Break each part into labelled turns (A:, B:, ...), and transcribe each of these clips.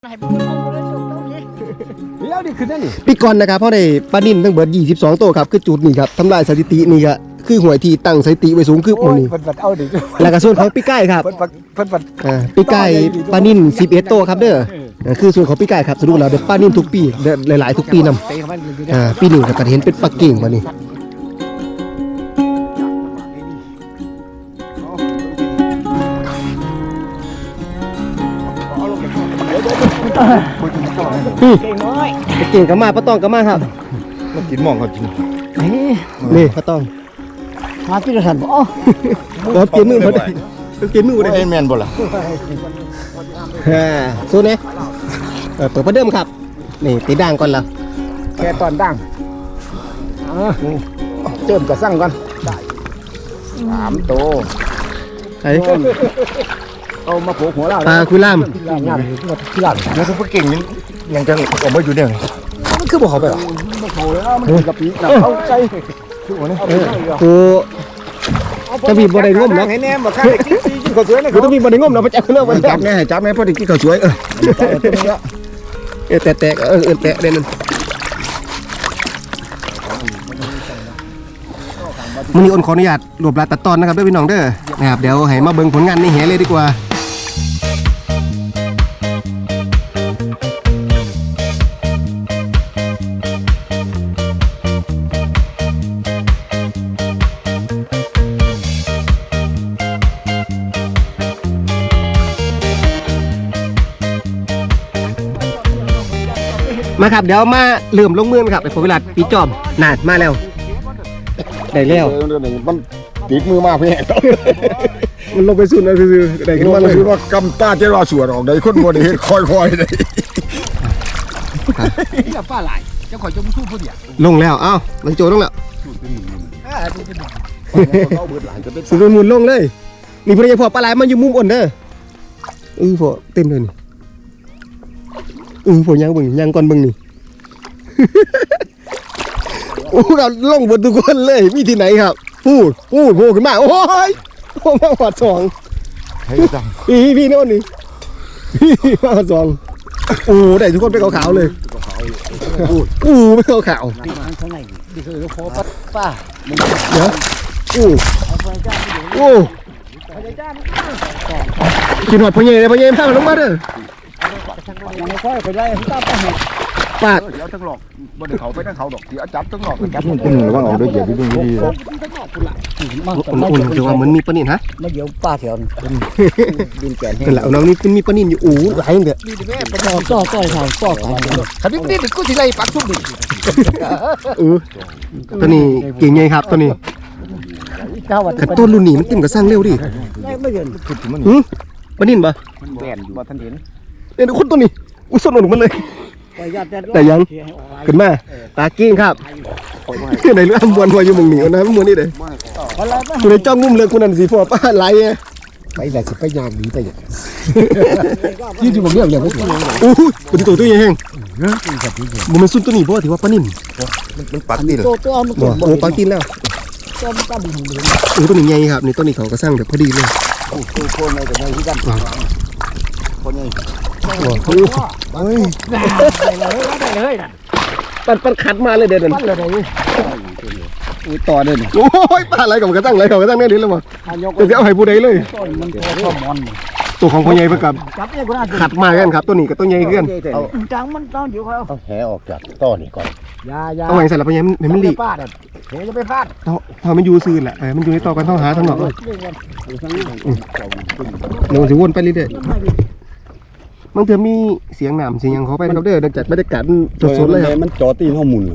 A: เดี๋ยวดิขึ้นได้นี่
B: ปีก่อนนะครับเพราะได้ปลานิ่นทั้งเบิด22ตัวครับคือจุดนี้ครับทำลายสถิตินี่ก็คือหวยที่ตั้งสถิติไว้สูงคือหมู่นี้
A: เพิ่นเอาดิ
B: แล้วก็ส่วนของปีไก่ครับ
A: เพิ่น
B: ปีไก่ปลานิ่น11ตัวครับเด้อคือส่วนของปีไก่ครับสรุปแล้วได้ปลานิ่นทุกปีหลายๆทุกปีนำปีนี้ก็เห็นเป็นปลาเก่งมานี่
A: เก่งน้อย
B: เก่งก็มาปลาตองก็มาครับ
C: มันกินหมองเขาจริง
B: นี่ปลาตอง
A: หาที่กระสันบ่อ๋อ
B: บ่เกมมือบ่ได้เกมมือบ่ได้
C: เอ็นแมนบ่ล่ะ
B: สู้เนี่ยเปิดประเดิมครับนี่ตีด่างก่อนละ
A: แค่ตอนดังเจิมกระสั่งก่อนได้3ตัว
B: ไอ้
A: เอามาโผล่หัวเรา
B: ปลาคุยล่าม
A: งามที่หลัง
C: แล้วซุปเปอร์เก่งนี่ยังจะออกมาอยู่เนี่ย
A: มันคือบ่เข้าไปหรอบ่เข้าแล้วมันกะปิน่ะเอาใจคือว่านี่
B: กูจะมีบ่ได้งมเนาะ
A: ให้แน่บ่คันกินซีกินข้าวสวยนะ
B: กูต้องมีบ่ได้งมเนาะไปจับเนาะบ่
A: จับแน่จับแน่พอได้กินข้าวสวย
B: แตะแตะแตะเด่นมื้อนี้อ้นขออนุญาตรวบรัดตัดตอนนะครับเด้อพี่น้องเด้อนะครับเดี๋ยวให้มาเบิ่งผลงานในแหเลยดีกว่ามาครับเดี๋ยวมาเริ่มลงมือครับไอ้ผมเวลาปีจอมนานมาแล้วได้แล้ว
C: มันติดมือมากพี่
B: มันลงไปสุดนะคือได้ขึ้น
C: มั
B: มาน เลย
C: คือว่ากำตาเจ้าสวดออกได้คนบ่ได้เฮ็ดค่อยๆได้
A: อย่าป้าหลายเจ้าข่อยจะมาสู้ผู้เดียว
B: ลงแล้วเอ้ามันโจลงแล้ว
C: เอาเบิดหลานจะเป็น
B: สุดหมุนลงเลยนี่พอดีพอปลาไหลมันอยู่มุมอ่อนเด้อพอเต็มเลยนี่พอยังเบิ่งยังก่อนเบิ่งนี่ โอ้เราลงบนทุกคนเลยมีที่ไหนครับพูดโผล่ขึ้นมาโอ้ยโอ้มาหอดสอง
C: ให้จัง
B: พี่โน่นนี่พี่มาหอดสองโอ้ได้ทุกคนไปขาวๆเลยไม่ขาว
A: ข้างในนี่คือพอป้า
B: ๆเดี๋ยวกินหอดพอเย่เลยพอเย่พามันลงมาเด้อ
A: ยังไม่ค่อยไปไล่ตามไปให้
B: ปาด
C: เดี๋ยวทั้งหลอกบ่ได้เขาไปทั้งเขาดอกเดี๋ยวจับทั้งหลอกจับคุณระวังเอาด้วยเดี๋ยวดี
B: อุ่นๆจะว่ามันมีปลานิ่นฮะ
A: มาเดี๋ยวป้าแถวดินแก่น
B: นั่นแหละน้องนี่มีปลานิ่นอยู่หลายเด้อ
A: ต่อทางต่อกันขันนี้นี่กูสิไล่ปักซุ่มดิ
B: ตัวนี้เก่งไงครับตัวนี้แต่ต้นรุ่นนี้มันติ่มกับสร้างเร็วดิ
A: ไม่เห็น
B: ปลานิ่นปะ
A: แก่นบ่ทันเห็น
B: เนี่ยคนตัวนี้อุ้ยสนุกมันเลยแต่ยังขึ้นมาตากิ้งครับในเรื่องมวนหัวอยู่มึงหนีนะมวนนี่เลยคุณในจ้องงุ่มเลยคุณนั่นสีฟ้าป้าไหล
A: ไปแต่สิไปยางดีไปอย่างยืดอยู่บนเรื่องอย่างนี้
B: โอ้ยเป็นตัวใหญ่แห้งมันซุ่มตัวนี้เพราะถือว่าปลานิ่น
C: มันปักนี่เลย
A: ตัวมัน
B: โอ้ปลากินแล้ว
A: ตัวมันตั้งอยู่
B: ตัวนี้ใหญ่ครับนี่ตัวนี้เขาก็สร้างแบบพอดีเลย
A: ตัวคนในแต่ในที่กันคนใหญ่
B: เฮ้ย
A: ได้เลยน่ะ
B: ปันขัดมาเลยเด่น
A: ปั้นเลยนี่อุ้ยต่อเด่น
B: โอ้ยปลาอะไรกับกระตั้งอะไรกับกระตั้งเนี่ยนี่เลยมั้งจะเอาให้ผู้ใดเลย
A: ต้นมันตัวมอน
B: ตัวของพ่อใหญ่เพื่อกับ
A: จับเนี่ยกูน่า
B: ขัดมากันครับตัวนี้กับตัวใหญ่เพื่อน
A: จังมันต้องเดี๋ยวเขา
C: เอาแหออกจากต้อนี่ก่อน
A: ยา
B: เอาไว้ใส่ละพ่อใหญ่มันหลี
A: พลาดเดี๋ยวจะไปพลาด
B: ถ้ามันอยู่ซื่อแหละมันอยู่ในต่อกันต้องหาทั้งหมดเดี๋ยวสิวนไปเรื่อยๆบางเถื่อมีเสียงหนามเสียงยังเขาไปนะครับเด้อเดินจัดบรรยากาศสดๆเลยครับ
C: มันจอตีนห้องมุน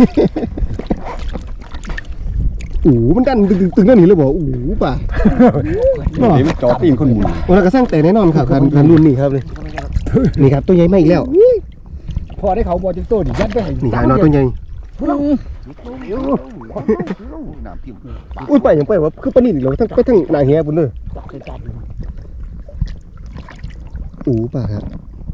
B: โอ้มันดันตึงๆนั่นนี่เลยบอกโอ้ป่ะ
C: นี่มันจอตีนคนมุน
B: โอ้เราก็สร้างแต่แน่นอนครับการรุ่นนี่ครับเลยนี่ครับตัวใหญ่มาอีกแล้ว
A: พอได้เขาบอลจิงโต้ดิยัดไปให้
B: นี่หายน้อยตัวใหญ่อุ้ยไปอย่างไปว่าคือปลานิ่นเราทั้งไปทั้งนาเฮียบุญเลยโอ้ป่ะครับ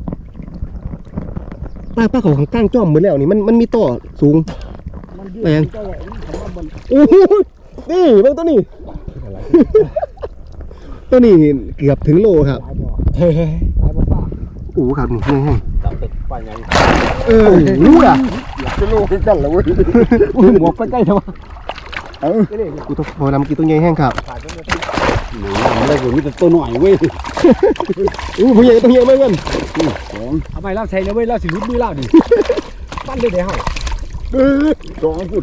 B: ป้าเขาข้างก้างจ้อมเหมือนแล้วนี่มันมีต่อสูงไปยังโอ้โหนี่บางตัวนี้ ตัวนี้เกือบถึงโลครับ
A: เฮ้ยไปบ่ป้า
B: อ้ครับนี่แห้ง
A: จับตึกไปไง
B: รู้อ่ะ
C: จะรู้กันแล้วเว้ย
A: หมวกใกล้ๆทำไม
B: กูต้องพอน้ำกินตัวใหญ่แห้งครับ
A: อะไรผมมีแต่ตัวหน่อยเว้ย
B: ผู้ใหญ่ตัวใหญ่ไหมเพื่อน
A: ทำไมเราใช้เนี่ยเว้ยเราสิรุดมือเราดิปั้นเลยเดี๋ยว
C: สองฟุต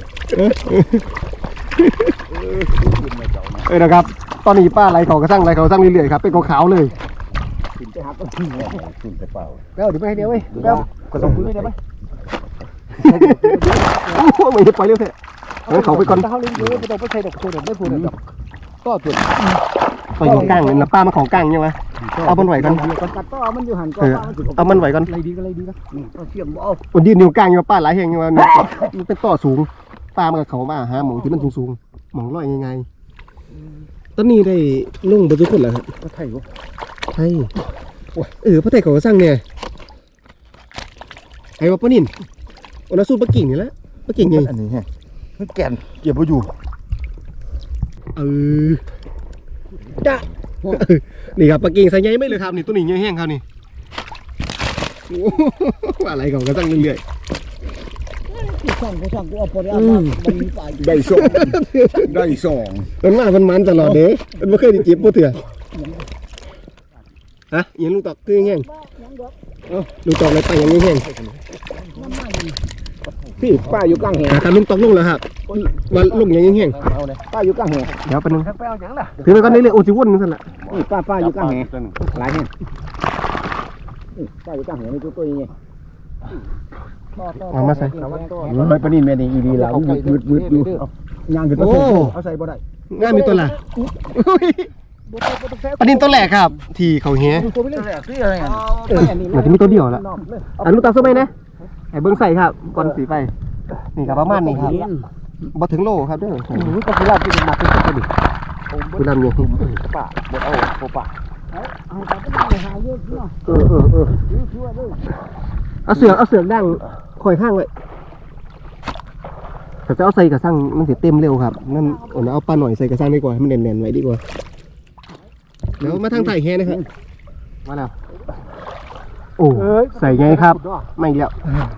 B: นะครับตอนนี้ป้าไหลเขากระสั่งเรื่อยๆครับเป็นขาวๆเลย
C: ขึ้นไปหาต้นที่เนี่ยขึ้นไปเปล่า
B: แล้วเดี๋ยวไปให้เดียวเว้ยแล้วก็ส่งปืนได้ไหมโอ้โหไม่ไปเร็วเถอะงั้นเขาไปก่อน
A: เขาเลี้ยงเยอะไม่ต้องไปใช้ดอกตัวเดียวไม่พูดดอกก็ตัว
B: ไปของกลางนะป้ามาของกลางยังไงเอามันไหวก่อน
A: กัดต่อมันอยู่หันก็
B: เอามันไหวก่อน
A: อะไรดีก็อะไรดีนะนี่ก็เชื่อมเอา
B: วันยืนนิ้วกลางยังป้าหลายแห่งยังว่ามันเป็นต่อสูงป้ามันกับเขามาหาหมองที่มันสูงๆหมองลอยยังไงตอนนี้ได้ลุ่งไปทุกคนแล้วครับ
A: ก็ไทยวะ
B: ไทยพระไทยเขาก็สร้างเนี่ยไอ้ว่าป้านินโอนาสูปะกิ่งนี่แหละปะกิ่งไง
C: อันนี้ฮะมันแก่นเก็บไว้อยู่
B: จ้านี่ครับปะกิ่งใส่ใหญ่ไม่เลยครับนี่ตัวนี้ใหญ่แห้งครับนี่อะไรเขาก็สร้างเรื่อย
A: ช่างกูเอาพอได้มันมีฝ่าย
C: ได้สองได้สอง
B: ๆมันตลอดเด้มันไม่เคยได้เจ็บปวดเถื่อฮะยังลูกตอกคือแห้งลูกตอกอะไรไปยังแห้ง
A: พี่ป้าอยู่กลางแหง
B: การลุงตอกลงแล้วครับว่าลงยังแห้ง
A: ป้าอยู่กลางแหง
B: เดี๋ยวไปนึง
A: ไปเอาอย่างล่ะ
B: ถือไปก่อนนี่เลยโอ้จิวนนั่นสั่นละ
A: ป้าอยู่กลางแหงหลายแหงป้าอยู่กลางแหงนี่ตัวยังไง
B: เอามาใส่
A: ไม่ปนี่แม่ดีอีดีแล้วมืดอยู่ย่างขึ้นมาเอาใส่บ่ได้
B: ง่ายมีตัวละปนินตัวแหลกครับ ที่เขาเหี้ย
A: ตัวไปเลยที่อะไรอ่ะ
B: มันจะมีตัวเดียวละอันลูกตาสู้ไหมนะไอ้เบิ้งใส่ครับก่อนสีไปนี่ครับประมาณนี้ครับบ่ถึงโลครับเด้อ
A: ก็คือลาบที่มันมาเป็นตัวดิ
B: คุณดำยัง
A: ป้าบดเอาโคป้าเอาไปหาเยอะเนาะ
B: เอาเสือกดั้งคอยข้างไว้แต่จะเอาใส่กระสังมันเสียเต็มเร็วครับนั่นเอาปลาหน่อยใส่กระสังดีกว่าให้มันแน่นๆไว้ดีกว่าเดี๋ยวมาทางไต่แฮนะครับมาแล้วโอ้ใส่ไงครับไม่แล้ว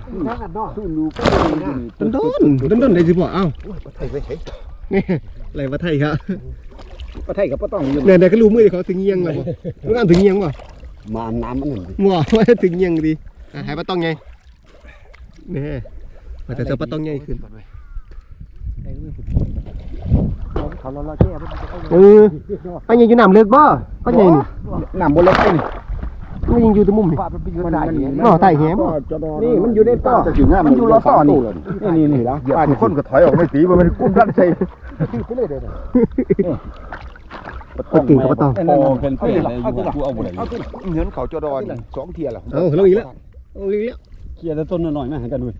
B: ต้นได้สิพ่อเอ้า
C: ไทยไปใช้
B: นี่อะไรวะไทยครับ
A: ป้าไทยกับป้าต้องอยู่
B: เนี่ยก็รู้มือเขาถึงเงียงแล้วบ่รู้งานถึงเงียงบ่
A: มาน้ำมันหนึ่ง
B: หม้อว่าถึงเงียงดีหายปลาต้องไงนี่แต่จะปลาต้องไงขึ้น
A: เขาเราแก้
B: ไปยังอยู่น้ำเลือกบ่ก็ยังนี่
A: น้ำบนรถนี่
B: มันยังอยู่ตรงมุมนี่
A: ป้าไปอยู่ได้
B: ใต้แหม
A: นี่มันอยู่ในต่อ
C: จะถึงง่าย
A: มันอยู่รอต่อนี่นี่แล้ว
C: ป้าที่คนก็ถอยออกไม่ตีมันกุ้มด้านใส่
A: ไปเลยเด้อ
B: ปลากิ่งกับปลาตอง
A: โอ้เป็นเปลี่ยนเลยกูเอาบ่ได้
C: เงินเขาจะดอนสองเทียร์แล้ว
B: เอาลงอีกแล้วลงอีกแล้ว
A: เคลียร์แต่ต้นหน่อยๆมาหากันด้วย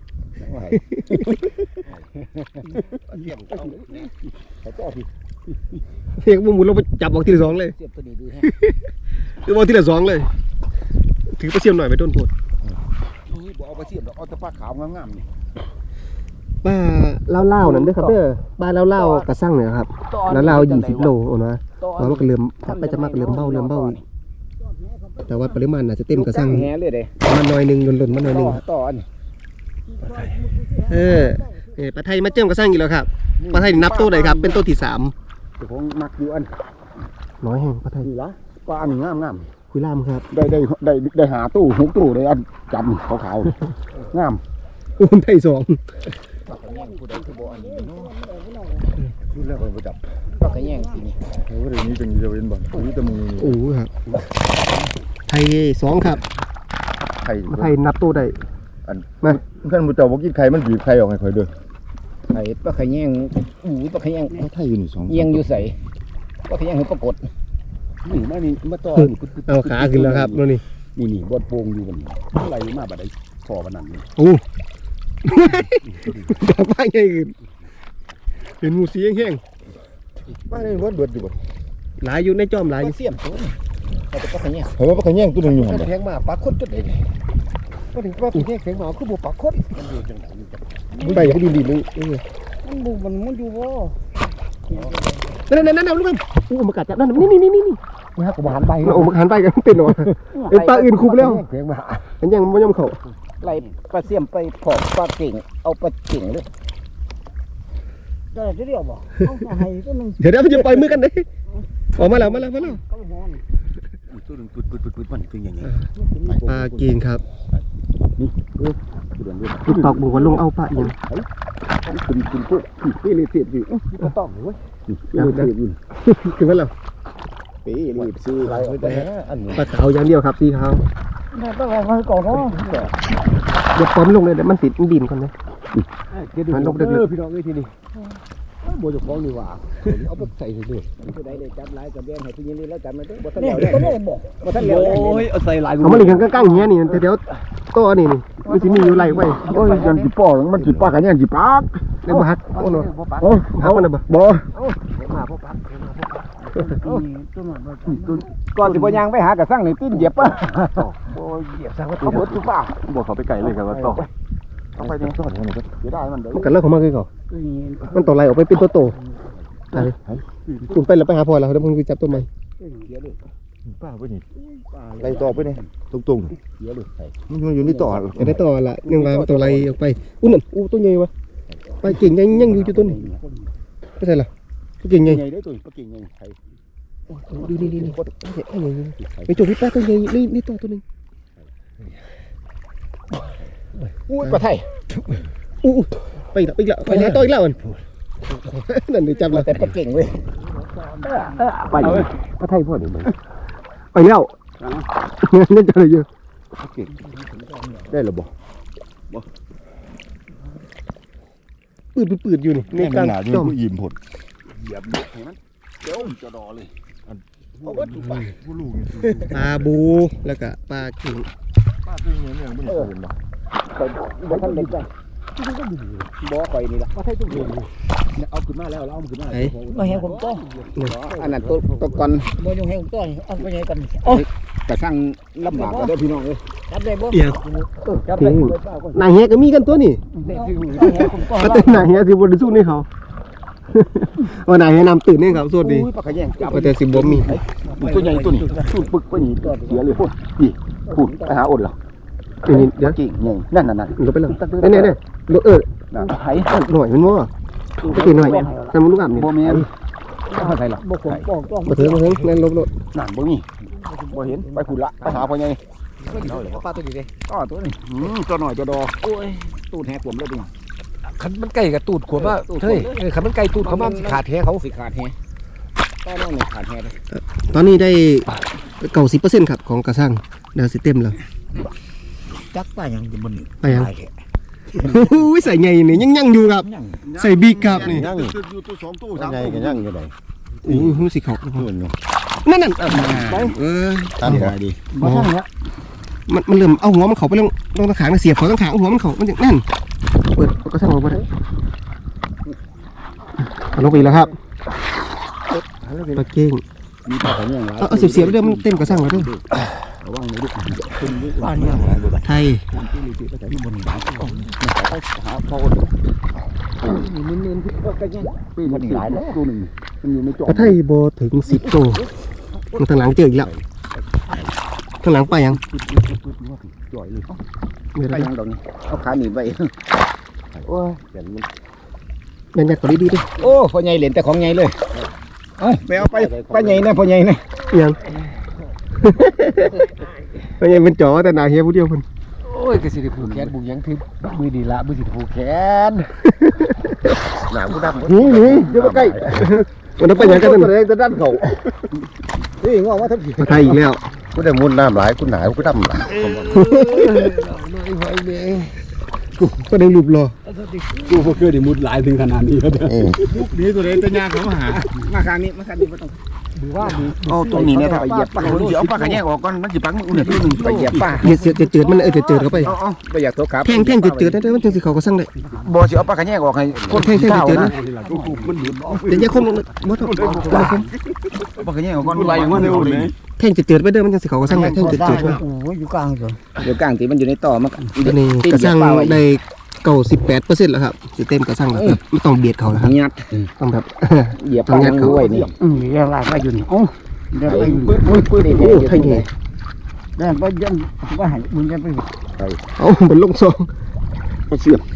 B: เพียงบุ้มลงไปจับออกทีละสองเลย
A: เสียบตัวนี้ดูฮะ
B: คือบอกทีละสองเลยถือปลาเสียมหน่อยไปต้นโพด
C: บอกเอาไปเสียบเอาแต่ปลาขาวงามๆนี่
B: ป้าเล่านั่นเด้อครับเด้อป้าเล่ากระสั่งเนี่ยครับเล่า20 โลโอ้นะมันก็เริ่มถ้าไปจะมากเริ่มเบ้าแต่ว่าปริมาณอาจจะเต็มกระสั่ง
A: แหเลยเด้
B: มันน้อยนึงหล่นๆมันน้อยนึง
A: ต่ออัน
B: ปลาไทยมาเจิมกระสั่งอีกแล้วครับปลาไทยนับตัวไหนครับเป็นตัวที่3
A: เดี๋ยวผมมักอยู่อัน
B: น้อยแห่งปลาไทย
A: นี่ละปลาอันนี้งาม
B: คุยล่ามครับ
C: ได้หาตู้หุกตู้ได้อันจำขาวๆงาม
B: อุ้นไทย2
C: ชุดแรกเราไปจับ
A: ปลากระแยงสินี่
C: เฮ้ยนี้จังจะเป็นบ่นี้แต่มึง
B: โอ้ครับไทย2ครับ
C: ไข่
B: ปลาไทยนับตัวได้
C: อันท่านผู้เจ้าบอกกินไข่มันบีบไข่ออกให้ค่อยเด้อ
A: ไอ้ปลากระแยงปลากระแยง
C: ไทยอยู่นี่2
A: เอียงอยู่ใส่ปลากระแยงคือปรากฏนี่มานี่มาต่อ
B: เอาขาขึ้นแล้วครับนี่
A: นี่บดโป่งอยู่มันอะไรมาบัดไดพอบัดนั้นนี่
B: โอ้ดอกไม้ใหญ่ขึ้นเห็นหมูสีแห้ง
C: บ้านนี้เบิดอยู่บ่
B: ๆหลายอยู่ในจอมหลายอยู่
A: เสียมตัวเอาแต่ปลากระแยง
C: เพราะว่าปลาแย่งตัวนึงอยู่หั่น
A: แทงมาปลาคดจุดเด็ดก็ถึงปลาปีแทงมาคือบ่ปลาคดมันอยู่จังได๋
B: มันใบเขาดีๆเลย
A: มันอยู่บ่
B: นั่นลูกมันอู้มากัดจับนั่นนี่
A: นี่ฮะกูหันไป
B: โอ้มันหันไปกันเป็นหรอไอ้ปลาอื่นคุบแล้วมันยังไม่ยอมเขา
A: ไล่ปลาเสี่ยมไปผอมปลาเก่งเอาปลาเก่งเลยได้จะเรียกบ่เอาให้ตัวนึง
B: เดี๋ยวมันจะปล่อยมือกันเลยออกมาแล้ว
A: ก็หอน
C: ตัวนึงปึ๊ดมันเป็นอย่างนี้
B: ปลากินครับ
C: นี่เดือนด้วย
B: ติ๊กตอกบอกว่าลงเอาปลาอย่าง
C: คุณพวกพี่เลยเสียบอยู่
A: ก็ต้องเว้ย
C: พี่เลยเสียบอยู่
B: ถึงแล้ว
C: ปีรีบซื้ออะไรแต่อันนี้
B: ปลาขาวอย่างเดียวครับสีขาว
A: ได้ต้องเอาก่อนเนาะ
B: อย่าป้อมลงเลยเดี๋ยวมันติดมันดินก่อนนะ
C: มันลงเด้อพี่น้องเอ้ยทีนี้โบจะฟ้องดีกว่าเอาไปใส่เลย
A: ผู้ใดได้จับหลายกับแบ่งให้ผู้หญิงนี่แล้วจับมาเด้อบ่ทันแล้วก็ได้บ่บ่ทันแล้ว
C: โอ้ยเอาใส่ลาย
B: เอามาหลีกันก้างๆเงี้ยนี่เดี๋ยวตัวนี่มันจะมีอยู่ไรไว้
C: โอ้ยยันจีป้อมันจีป้ากันยังจีปาก
B: เลยบ่ฮักโอ้โห
C: โอ้
B: ฮักมันน่ะบ่
C: บ่
A: มาพบปักก่อนสิบ่ย่างไปหากระสั่งนี่ตีนเหยียบป่ะบ่เหยียบซะว่าเขาเบิดทุกป่า
C: บ่เขาไปไกลเลยครับว่าต่อต้องไปยังต่อเนี่ยก็เสียดายมันเด้อ
B: มันกันเลิกของมันคือเขามันต่อไรออกไปเป็นตัวโตไปคุณไปแล้วไปหาพ่อแล้วเดี๋ยวมึงไปจับตัวใหม่
C: ป้าไปนี่ไล่ต่อไปนี่ตรงๆเดี๋ยวเลยมันอยู่นี่ต่อ
B: จะได้ต่อละยังว่าต่อไรออกไปอู้นั่นอู้ตัวใหญ่วะไปเก่งยังอยู่จุดต้นไม่ใช่หรอตัวเก่งใหญ่
C: ใหญ่ได้ตัวก็เก่งใหญ่ไทย
B: นี่ไปจุดที่ป้าตัวใหญ่นี่ต่อตัวนึง
A: อุ้ยปลาไทย
B: อู้ไปอีกแล้วไปแล้วต่ออีกแล้วมันนั่นได้จับแล้ว
A: แต่ปลาเก่งเว้ยไปปลาไทยพ่อนี่มึง
B: ไปแล้วนี่จะอะไรเยอะ
C: เก่งได้หรือบ่
B: ปืดอยู่นี่ในกลางจอม
C: ยิ้มผดเหยียบให้มันเดี๋ยวจะดอเลยเอาวัตถุไปผู้ลูก
B: ปลาบูแล้วก็ปลากิ่ง
C: ป้าตัวนี้เนี่ยไม่ได้เห็นบ่
A: บ่ทันเล็กจ้ะบ่ข่อยนี่ล่ะปลาไทยตุ้งเรียนเอาขึ้นมาแล้วเอาขึ้นมาบ่เห็นผมต้ออันนั้นตัวก่อนบ่ยังให้ผมต้อเอาไปยังกันแต่สร้างลำบากเด้อพี่น้องเอ้ยจับได้บ่
B: เดี๋ยว
A: จับได้
B: นายเฮียก็มีกันตัวนี่ ก็ตื่นนายเฮียสิบริสุทธิ์นี่เขาว่านายเฮียนำตื่นนี่เขาสวัสดี
A: ปลาขยงจับ
B: ก็แต่สิบบ่มี
C: ตัวใหญ่ตัวนี้สูดปึกไปนี่เสียเลยพูดนี่พูดไปหาอดเหรอ
B: นี่เดี๋ยว
C: เก่งใหญ่นั่น
B: ลงไปเลยเนี่ย
C: ไผ่
B: หน่อยมันว่าก็ตีหน่อยแต่มันลูกอ่ำนี่
C: บ่แม่นไผ่ล่ะ
A: บ่ผมป้องต้อง
B: มาถึงนั่นลบ
C: นั่นบ่มีบ่เห็นไปพูดละไปหาพ่อใหญ่
A: ปลาตัวนี้เด้
C: ก็ตัวนี้ตัวหน่อยตัวดอ
A: โอ้ยตูดแหกผมเลยดิ
D: คันมันไก่กับตูดขวบว่าเฮ้ยคันมันไก่ตูดเขามันขาดแท้เขา
A: สิขาดแฮต้อนน้องนี่ขาดแฮเลย
B: ตอนนี้ได้90%ครับของกระสังดาวสิเต็มแล้ว
A: จักป้ายังจะบ่นี่
B: ไปยังใส่ใหญ่นี่ยังอยู่ครับใส่บีครับนี่
C: ยังอยู่ตัว2ตัว3ตัวยังอยู่ไหน
B: โอ้ยรู้สิเขา
C: เพื่อนอยู่
B: นั่น
C: ตามได้ดิ
A: บ่ทันแล้ว
B: มันเริ่มเอาหัวมันเข้าไปลงตะขางเสียบเขาตะขางหัวมันเข้ามันนั่นเปิดกระสังออกมาได้ลงไปแล้วครับปลาเก้ง
C: มีปลาขยังหลาย
B: เอาเสียบไปเรื่อยมันเต็มกระสังแล้วด้วย
C: ระวังเลยลูก
A: บ้านเนี่ย
B: ไทย
C: หาพ่อ
A: นี่มึนๆก็ยัง
C: ปีมันหลายแล้วตัวนึงมันอยู่ในจอ
B: ปลาไทยโบถึง10 ตัวมันทางหลังเจออีกแล้วทางหลังไปยัง
C: จ่อยเลย
A: ไปยังดอกนี่เอาขาหนีไปโอ้ย
C: เห็นมัน
B: ยันยัดก่อนดีๆดิ
A: โอ้พ่อใหญ่เหรียญแต่ของใหญ่เลยเอ้ยไปเอาไปป้าใหญ่นะพ่อใหญ่นะ
B: ยังไม่ยังเป็นจ๋อแต่หนาเฮียผู้เดียวคน
D: โอ้ยกระสิได้ผูกแขนบุกยังคือมือดีละมือสิผูกแขน
C: หนาวกูดำ
B: นี่เดี๋ยวมาใกล้มันต้องไปยังกันนั่น
C: เลยจะด้านเขา
A: นี่งอว่าทับผิด
B: ไทยอีกแล้ว
C: กูได้มุดน้ำหลายกูหนาวกูดำหลาย
B: ก็ได้รูปรอ
D: กูบ่เคยได้มุดหลายถึงขนาดนี้แล้วเด้อ
C: ยุคนี้ตัวเองจะยากเขาหา
A: มาครั้งนี้ไม่ต้องดูว่าดู
C: เอาตรงนี้เนี่ยถ้าไปเหยียบปลาเดี๋ยวปลาขยังออกก่อนมันจะปังมึงเนี่ยตัวนึง
A: ไปเหยียบป้า
B: เจืดมันเจืดเข้าไป
C: เอา
A: ไปอยากโทรครับ
B: แท่งเจืดได้มันจึงสิเขาก็สั่งได้
C: บ่สิเอาปลาขยังออกให้คน
B: แท่งเจืดนะ
C: มันหลุด
B: เดี๋ยวอย่าคมบ่ต้อง
C: ปลาขยังออกก่อนไหลออกมาเร็วเลย
B: แท่งเจืดไปเด้อมันจึงสิเขาก็สั่งได้แท่งเจืด
A: โอ้ยอยู่กลางเลยอยู่กลางตีมันอยู่ในต่อมัน
B: ตัวนี้กระสั่งได้98%แล้วครับสิเต็มกระสั่งแล้วครับไม่ต้องเบียดเขานะครับ
A: ยัด
B: ต้องแบบ
A: เหยียบป้าด้วยนี่ยังลากมาอยู่นี่โอ้เดี๋ยวปื้ด
B: โอ้ไทยเงี้ย
A: เดี๋ยวไปยันว่าให้มึงจะไป
B: เอาเหมือนลงซอง
C: ก็เสียบ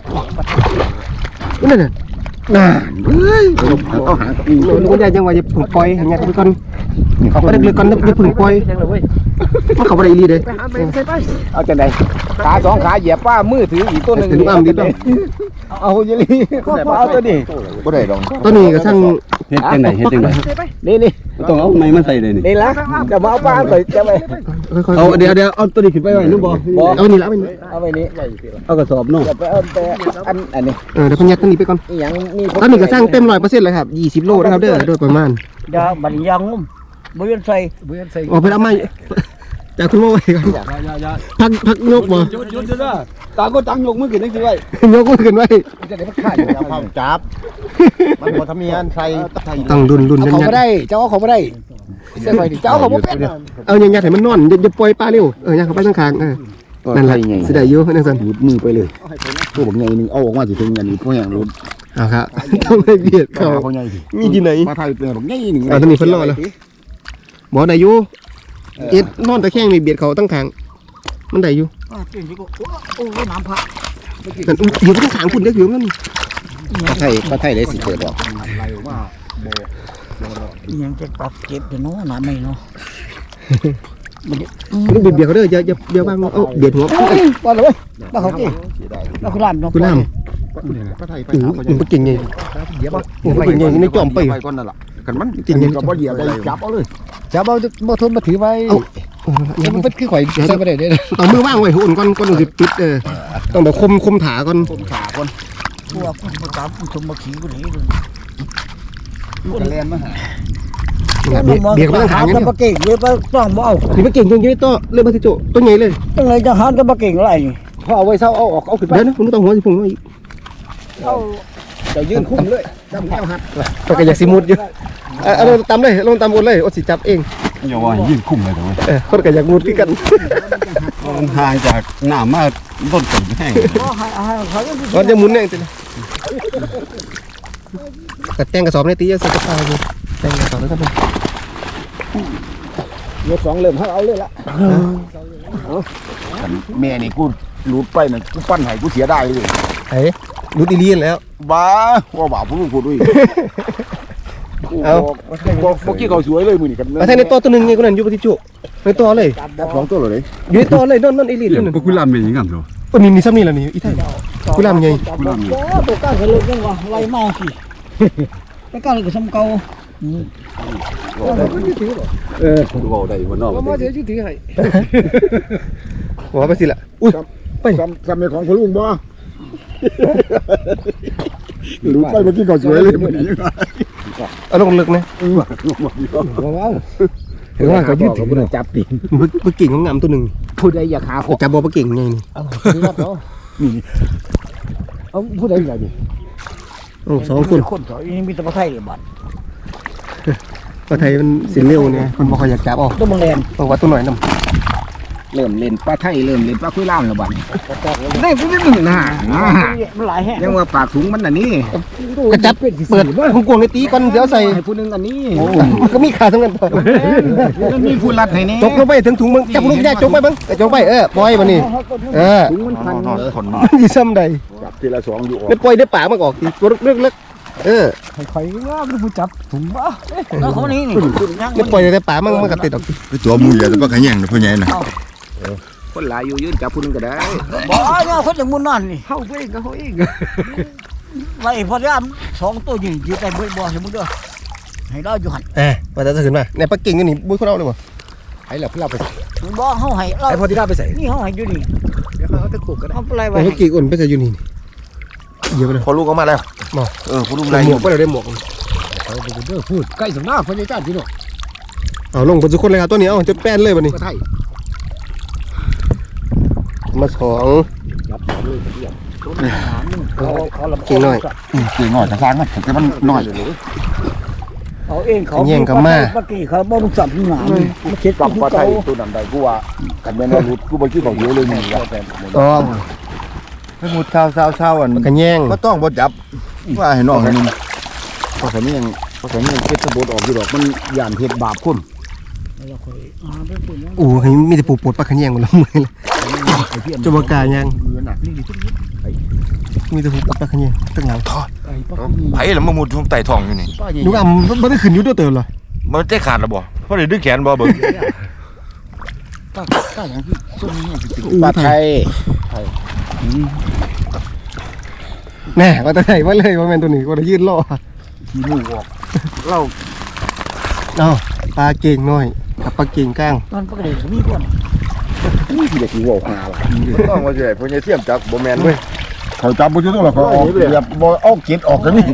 B: นั่นน่ะน่าเฮ้ย
C: เอาหา
B: ลูกยายจังว่าจะผึ่งปล่อยให้ยายไปก่อนเขาก็ได้เลยก่อนจะผึ่งปล่อยมันเขาบ่ได้อีหลีเด้
A: เอาจังไดขาสองขาเหยียบป้ามือถืออีกตัวหนึ่ง
B: ถึงอ้ํดีต้อง
A: เอาเยลีเอาตัวนี้
C: บ่ได้ดอก
B: ตัวนี้ก็สั่ง
E: เฮ็ดจังไดเฮ็ดจังได
A: นี่
E: ต้องเอาไม้มาใส่เลยนี่
A: นี่ละจะมาเอาป้าไปจะไป
B: ค่อยๆ
E: เอาเดี๋ยวเอาตัวนี้ขึ้นไปไว้นู่นบ่
B: เอานี่ละเอานี่
A: เอาไปนี้
E: เอากระสอบเนาะ
A: จะไปเอาไปอันนี้
B: เดี๋ยวเพิ่นยัดตัวนี้ไปก่อน
A: อีหยังมี
B: ตอนนี้ก็สร้างเต็ม100%เลยครับ20โลนะครับเด้อโดยประมาณ
A: ยาบัดยางงุ้มบ่ยันใส่
B: ออกไปเอาไม้จากคุณโมไว้ก่อน
E: อย่า
B: พักยกบ่
E: หยุดเด้อต่างคนต่างยกมือขึ้นจังซี่ไว้
B: ยกมือขึ้นไว้
A: จะได้มันขาดอยู่แล้ว
C: พร้อมจับมันบ่ทำมีอันใส่
B: ต้องดุน
A: เอา
B: ยั
A: เขา
B: ด
A: ไม่ได้เจ้าเขาไม่ได้เสียไปดิเจ้าเขาไม่เป็น
B: เอายัดให้มันนอนอย่าปล่อยปลาเร็วยัดเข้าไปข้างๆนั่นแหละสิได้อยู่นั่นซั่น
C: หลุดมือไปเลยตัวบักใหญ่นึงเอาออกมาสิถึงอันนี้ก็แห้งหลุด
B: เอาครับต้องให้เบียดเขา
C: เขาใหญ่ดิ
B: มีที่ไหน
C: มาไทยเป็นบักใหญ่นึง
B: ตอนนี้เพิ่นรอแล้วบ่ได้อยู่เอ็ดนอนตะแคงนี่เบียดเขาตั้งขางมันได้อยู่
A: จริงๆโอ้น้ำพระ
B: นั่นอยู่ตั้งขางคุณเด็กอยู่นั่น
C: มาไทยได้สิเกิดดอก
A: ยังจะปรับเก็บอยู่เนาะน้ำไม่เนาะ
B: ลูกเบียดเขาเด้ออย่าวางเอาเบียดหัว
A: ว่าเลยว่าเขาที่ว่าคุณรามเนาะ
B: คุณน้ำ
C: มาไทยไป
B: โอ้
C: หา
B: ยมันเก่งไง
C: เดี๋ยวบ่
B: โอ้ยเก่งไงในจอมไป
C: ก่อนนั่นล่ะกันมันกินก็บ่เหยียบได้จับเอาเลย
A: จะบ่ทนมาถือไว้มันเป็นคือข่อยใส่ไปได้เด้อ
B: เอามือว่างไว้หุ่นก่อนสิปิดต้องแบบคมถาก่อน
C: ขาก่อน
A: พวกคุณประจำคุณชมมาขี่กูนี่
C: ลูกแลนมาหา
B: เบียดเขาตั้งขาง
A: จะ
B: นี่
A: มาเก่งเลยต้องบ่เอา
B: นี่มันเก่งจริงๆตัวเริ่มมาสิโจตัวใหญ่เลย
A: จังไงจะหาจะมาเก่งอะไร
C: พอเอาไว้เซาเอาออกเอาขึ้นไป
B: เดี๋ยวนะคุณต้องหัวสิพุ่งไว้
C: จะยืนคุ้มเลยจำแก้วหัด
B: ก็อยากสิมุดอยู่เอาลงตามเลยลงตามบนเลยอดสิจับเอง
E: อย่าว่ายืนคุ้มเลยเด้อ
B: คนก็อยากมุดคือกัน
E: มันห่างจากน้ำมาต้นต้นแห้ง
B: ก่อนจะหมุนเองติกระแตงกระสอบในตีจะใส่กระเป๋าอยู่แตงกระสอบแล้วก็เป็น
C: ยกสองเริ่มเอาเลยละแม่นี่กูหลุดไปน่ะกูปั้นให้กูเสียได้เลย
B: ไอ้รู้ตีเลียนแล้ว
C: บ้าว่าบ่าวพูดด้วย
B: เอา
C: บอกกี้เขาสวยเลยมือนี่กัน
B: มาแทงในตัวนึงไงคนนั้นอยู่ปฏิจุในตัวเลย
C: สองตัวเลย
B: อยู่ในตัวเลยนั่นอีลีด
E: เดี๋ยว
B: นั่น
E: พวกกุลามเป็นยังไงครับ
B: ตัวนี้ซ้ำนี่แหละนี่อีไทยกุลามไง
E: กุลามนี่
A: ตัวก้าวเขาเลยยังว่าไรมาสิไปก้าวเลยก็สมเก่า
E: เว้าได้บ่เนาะ
B: มาเสียชื่อถือให้หัวไปสิละอุ้ยไป
C: ซ้ำในของพลุงบ่หลุดไปเมื่อกี้เขาสวยเลยมือนี่
B: เอาลงลึกนะ
A: ว้าว
B: เห็นว่าเขายืดถึง
C: จับตี
B: มันเก่งของงามตัวหนึ่ง
A: ผู้ใดอยากหาข
B: จับบอลเก่งไงนี่
A: เอาผู้ใดอยากดิ
B: โอ้สองคน
A: คนสองนี่มีแต่ประไทยบัด
B: ประไทยมันสิเร็วเนี่ยมันบอกเขาอยากจับออก
A: ตัวบังแลน
B: บอกว่าตัวหน่อยน้
C: เริ่มเล่นปลาไทยเริ่มเล่นปลาคุยล่ามแล้วบัด
A: ได้ผู้นี้มึงนะมันหลายแห่ง
C: ยังว่าปากถุงมันอันนี้
B: ำกระจับเปิดของกวงในตีก่อนเดี๋ยวใส่
C: ให้ผู้นึงอันนี้
B: มันก็มีขาทั้งนั้น
C: มันมีผู้รัดให้นี่
B: จกลงไปถึงถุงมึงจับลูกแยกจกไปบ้างจกไปปล่อยมันนี่
C: ถุงมันพัน
E: คน
B: มันสิซ้ำใด
C: จับทีละสองอยู่ออก
B: ได้ปล่อยได้ปากมันออกทีตัวเล็ก
A: ใครว่าเป็นผู้จับถุงบ้าแล้วเขานี่นี่
B: ได้ปล่อยได้ปากมันก็ติดออก
C: ตัวมูอย่าจะปลาขยันนะพ่อใหญ่นะคนหลายอยู่ยืนจับผู้นึงก็ได้
A: บ่เนี่ยคนอย่างมุนนั่นนี่เฮาเองก็เฮาเองไว้พอดีสองตัวยิงยืดได้บ่บ่ให้มึงเด้อให้เราอยู่หั่น
B: ว่าจะขึ้นมาในปักกิ่งนี่บุ้ยคนเอาเลยบ่
C: ไอ้เหล่าพี่เราไป
A: บ่เฮาให้เรา
B: ไอพอที่ได้ไปใส่
A: นี่เฮาให้อยู่นี่
C: เดี๋ยวเขาจะขู่กัน
A: เอาอะไร
B: ไอ
A: ไว้
B: ปักกิ่งอุ่นไปใส่อยู่นี่เยอะไปเลย
C: พอลูกออกมาแล้วพอลูก
B: หมวกไปเลยได้หมวก
A: พูดใกล้สำนักพญาจ้าพี่น้อง
B: เอาลงบนสุกคนเลยครับตัวนี้เอาจะแป้นเลยวันนี้
C: ปลาไทย
B: มาสอง
A: เขาลำ
B: กิ่งหน่อย
C: เก่งหน่อยจะสร้างมันแต่มันหน่อย
A: เขาเองเขา
B: แย่งกับมา
A: ปกี้เขาบ่รู้จักหนามันคิด
C: กับปลาไทยตัวนั้นใดกูว่ากันแม่นว่ารุดกูบ่คิดของเยอะเลยนี่ว่า
B: ต้อง
C: ให้มุดเช้าอัน
B: มันกันแย่ง
C: ก็ต้องบ่จับว่าให้น้องให้นึงเพราะเขานี่ยัง
A: เพราะฉะนั้นเก็บตะบดออกอยู่ดอกมันย่านเฮ็ดบาปคน
B: โอ้ยมีแต่ปูปวดปลาขะแยงหมดแล้วมือเลยจะบกายังมีแต่ปูปวดปลาขะแยงตั้งหลัง
C: ไผ่แล้วมามุดทุ่งไต่ทองอยู่นี่
B: นุกอ่ำมันได้ขึ้นอยู่ตัวเติมเหรอ
C: มันจะขาดแล้วบ่เพราะได้ดึงแขนบ่เบิ่ง
A: ป้าอย่างที่ส้มนี่ปลาไทย
B: แน่ว่าตัวไหนว่าเลยว่าแมนตัวนี้ว่าจะยืดล่อ
A: ขี้มูกออกเรา
B: เอาปลาเก่งน้อยกับปลาเก่งก้าง
A: ตอนปกติก็มีคนนี่คือเด็กที่ว่าหาล่ะ
C: ต้องว่าสิให้พ่อใหญ่เทียมจักบ่แม่นเว้ย
A: เขาจับบ่อยู่ตรงหรอกเขาออกแบบบ่เอาเก็ดออกกันนี่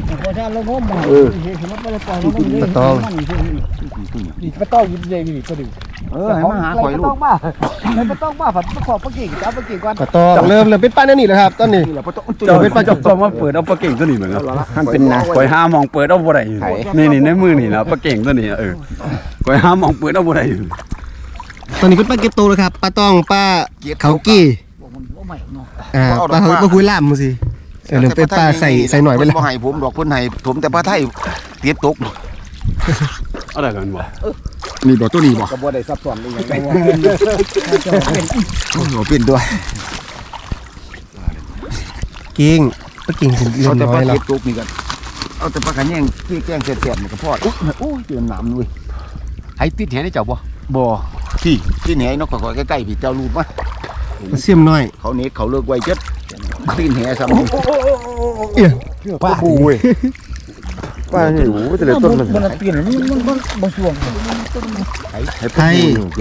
B: ตะตอง
D: นี่ปลาต้องยิ้มใหญ่นี่ก็ดึง
A: ให้มาหาข่อยลูก
D: ให้ปลาต้องบ้าผัดปลาขอบปลาเก่งจับปลาเก่งก่อน
B: ตะตองเริ่มเป็นป้าแน่นี่แหละครับตอนนี้
A: นี่แหละบ่ต้อง
B: เจ้าเป็นป้าจบ
E: ต้องมาเปิดเอาปลาเก่งตัวนี้เหมือนกัน
A: มันเป็นนะ
E: คอยห้ามองเปิดเอาบ่ได้อยู่นี่ในมือนี่นะปลาเก่งตัวนี้คอยห้ามองเปิดเอาบ่ได้อยู่
B: ตอนนี้เป็นป้าเก็บโตแล้วครับป้าต้องป้าเขากี้ป้าเขาป้าคุยล่ามมือสิเริ่มเป็นป้าใส่หน่อยไปแล้ว
C: บ่ให้ผมดอกเพิ่นให้ผมแต่ปลาไทยเตียตก
E: เอาได้กันบ่
C: นี่บ่ตัวนี้บ่
A: ก็บ่ได้ซับซ้อนเลยอย่าง
C: โอ้โหเป็นด้วย
B: เก่งป้าเก่งถึงเรีย
C: เอา
B: น
C: แต่
B: น้
C: ป
B: อ
C: ลาย
B: แล้ว
C: เตียตกนี่กันเอาแต่ปลาขะแยงที่แกงแซ่บๆนี่ก็พอโอ้ยเจอน้ำด้วย
E: ให้ติดแหนได้เจ้าบ่
C: บ่ที่ไหนนกก็ใกล้ๆพี่เจ้ารูปมา
B: มาเสียมน้อย
C: เขาเน็ตเขาเลิกไว้เจ็ดตีนแหซ้ำ
B: เอี่ย
C: ป้าปูเว้ยป้าหิวแต่ละต้นมัน
A: มันเปลี่ยนมันบ่ช่วง
B: ไทย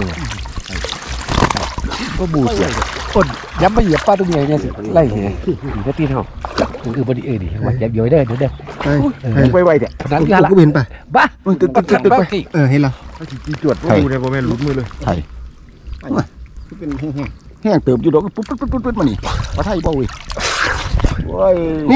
C: ก็บูเสีย
D: คนย้ำมาเหยียบปลาตัวใหญ่เนี่ยสิไล่เนี่ยนี่ก็ตีนเฮามันคือบดีนี่ว่าอย่าเดี๋ยวเด้อเดี๋ยวเด้อ
B: ไทย
C: ไปไวแต่
D: นั้น
B: กู
D: ยาละ
B: ก็เห็นป่ะ
D: บ้า
C: ตึ๊ด
D: ปลา
C: ตึ๊ด
D: ขันปลาเก่ง
B: เห็นแล้ว
C: จวดปูเนี่ยบ่แม่นหลุดมือเลย
A: เป็นแห้ง
C: แห้งเติบอยู่ดอกปุ๊บปุ๊บปุ๊บปุ๊บมานี่ปลาไทยบ่เว้ยโอ้ย
B: นี่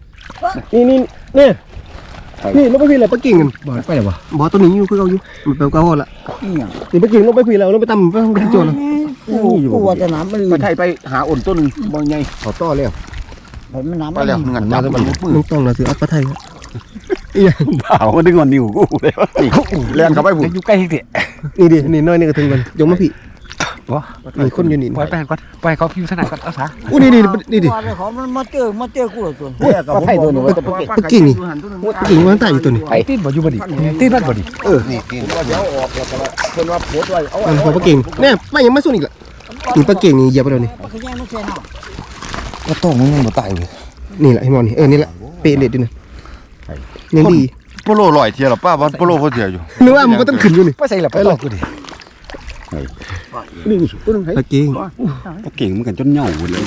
B: ลงไปพี่เลยป้าเก่งกัน
D: บ่ไปแล้วบ่
B: บอตัวนี้อยู่คือเขาอยู่แบบเก่าละ
A: ๆอีหยัง
B: นี่ป้าเก่งลงไปพี่แล้วลงไปตำไปทำโจรแล้ว
A: กูว่าจะน้ำมัน
C: ปลาไทยไปหาอ่อนต้นนึงบ่ใหญ่เขาต่อแล้ว
A: มันน้ำ
C: ไปแล้วเงินจับมันมือ
B: ลุงต้องเราถือเอาปลาไทย
E: บ่าวดึงonนิ้วกูเลย
C: แล่นเข้าไปพุ่น
D: อยู่ใกล้ที่
B: นี่ดินี่น้อยนี่ก็ถึงกันยกมาพี่มีคนอยู่นี่
D: ปล่อยไปก่อนปล่อยเขาพิมพ์ถนัดก่อนเอาซะ
B: อู้นี่ดิ
A: เขามันมาเจอกูแล้วตัวปลาไทยตัวนี้ว่าจะปลาเก็ด
B: ป้าเก่งนี่ป้าเก่งมันตายอยู่ตัวนี้
D: ไอ้ตีนบ่อยู่บ่ดิตีนมันบ่ดิ
C: นี่ตีน
A: ว่าเดี๋ยวออกแล้วก็เพิ่นว่าโพสต์ไว้เอา
B: อันของป้าเก่งเนี่ยป้ายังไม่สู้อีกละนี่ป้าเก่งนี่เหยียบไปแล้วนี่
A: ปลาขยงไม่ใช่น้ำ
C: ก็ต้องมันบ่ตายเว้ย
B: นี่แหละไอ้หมอนนี่นี่แหละเปรตเด็ดด้วยนะยังดี
C: โปโลลอยเที่ยวหรอป้าว่าโปโลเขาเที่ยวอยู่
B: นึกว่ามันก็ต้องขึ้นอยู่นี่
D: ไปใส่ละไปหลอกกูดิ
A: นี่ตัวนึงให้
B: ป้าเก่ง
E: ปลาเก่งมันกันจนเหย่าหมดเลย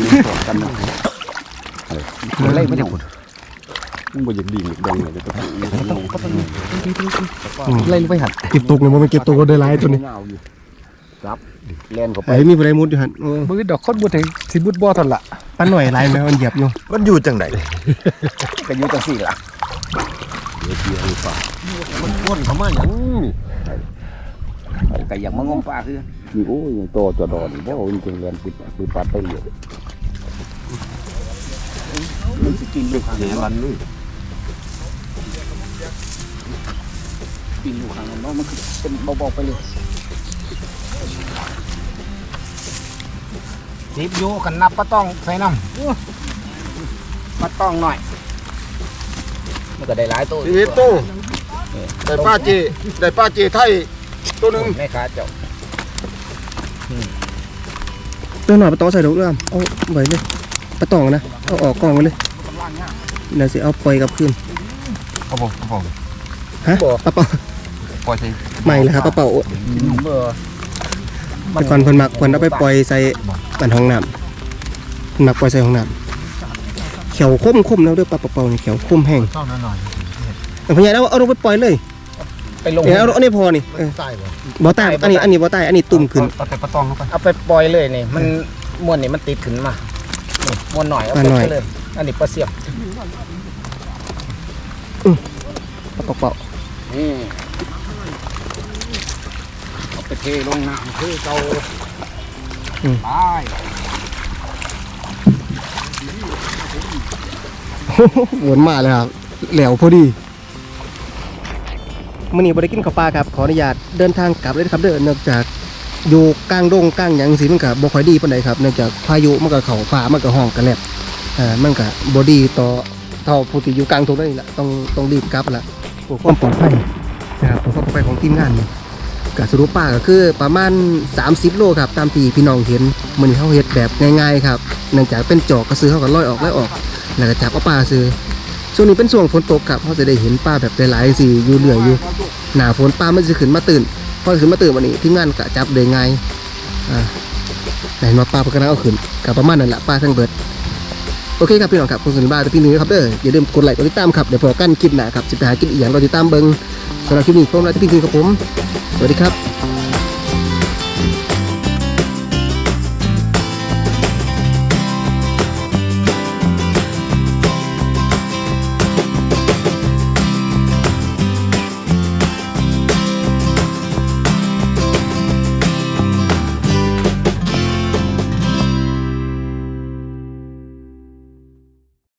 D: ไล่ไม่ได้คน
E: มึงบ่อยากดิ่งดังเลย
D: ไล่ลงไปหัน
B: เก็บตกเนี่ยมันเก็บตกก็ได้หลายตัวนี้
C: ครับแล่นเข้าไป
B: ไอ้มีอะไรมุดอยู่หันโอ้
D: มือดอกคนบ่ถึงสิบุดบ่ทันละ
B: ป้าหน่อยลายแมวมันเหยียบอยู่
C: มันอยู่จังได๋
A: ก็อยู่จังซี่ล่ะมันวนเข้ามาหยังก็อยากมางมปลาคือนี่โอ้ยโตจะดอนบ่จริงๆเรียนปิดปัดไปเลยมันสิกินอยู่ข้าง
E: แหนรันนู่น
A: กินอยู่ข้างนั้นมันคือเป็นเบาๆไปเลยสิบอยู่กันนับปลาต้องใส่น้ำปลาต้องหน่อยมันก็ได้หลายตัว
C: ชีวิตตู้ได้ป้าเจไทยตัวนึง
A: แม่ค้าเจ้า
B: ตัวหน่อยป้าตองใส่ดอกเอื้อมเอาไว้เลยป้าตองนะเอาออกกองไปเลยเดี๋ยวสิเอาปล่อยกลับคืน
C: เอาบ่เอาบ่
B: ฮะป้าเป่า
C: ปล่อยใส่
B: ใหม่เลยครับป้าเป่า
A: เบอร์
B: แต่ก่อนเพิ่นมักเพิ่นเอาไปปล่อยใส่บ้านห้องน้ำเพิ่นมักปล่อยใส่ห้องน้ำเขียวคมแล้วเด้อปลาเป่านี่เขียวคมแห้ง
A: ต้องหน่อย
B: แต่พญาเอาลงไปปล่อยเลย
A: ไปลง
B: เอาอันนี้พอนี่บ่ใต้อันนี้บ่ใต้อันนี้ตุ่มขึ้น
E: เอาแต่ปลาตองเข้าไป
A: เอาไปปล่อยเลยนี่มันม้วนนี่มันติดขึ้นมานี่ม้วนหน่อยเอาไปเลยอันนี้ปลาเสียบ
B: ปลาเป่า
A: นี่เอาไปเทลงน้ำคือเตาไป
B: วนมาเลยครับแหลวพอดีมื้อนี้บ่ได้กินข้าวปลาครับขออนุญาตเดินทางกลับเลยนะครับเด้อเนื่องจากอยู่กลางดงกลางหยังสิมันก็บ่ค่อยดีปานใดครับเนื่องจากพายุมันก็เข้าฟ้ามันก็ห้องกันแลบมันก็บ่ดีต่อเท่าผู้ที่อยู่กลางทุ่งนั่นนี่แหละต้องรีบกลับละเพื่อความปลอดภัยนะครับเพื่อความปลอดภัยของทีมงานนี่ก็สรุปป่าก็คือประมาณ30โลครับตามที่พี่น้องเห็นมื้อนี้เฮาเฮ็ดแบบง่ายๆครับเนื่องจากเป็นจอกก็ซื้อเฮาก็ลอยออกแล้วก็จับเอาปลาซื้อช่วงนี้เป็นช่วงฝนตกครับเฮาจะได้เห็นปลาแบบหลายๆสิอยู่เรื่อยอยู่หน้าฝนปลามันจะขึ้นมาตื่นพอขึ้นมาตื่นวันนี้ทีมงานก็จับได้ง่ายไหนมาปลาเพิ่นก็เอาขึ้นก็ประมาณนั้นแหละปลาทั้งเบิดโอเคครับพี่น้องครับผมสุนิบ้าแต่พี่นี้ครับเด้ออย่าลืมกดไลค์กดติดตามครับเดี๋ยวพอกันคลิปหน้าครับจะไปหากินอีกอย่างเราติดตามเบิ่งสำหรับคลิปนี้ผมและพี่นี้ครับผมสวัสดีครับ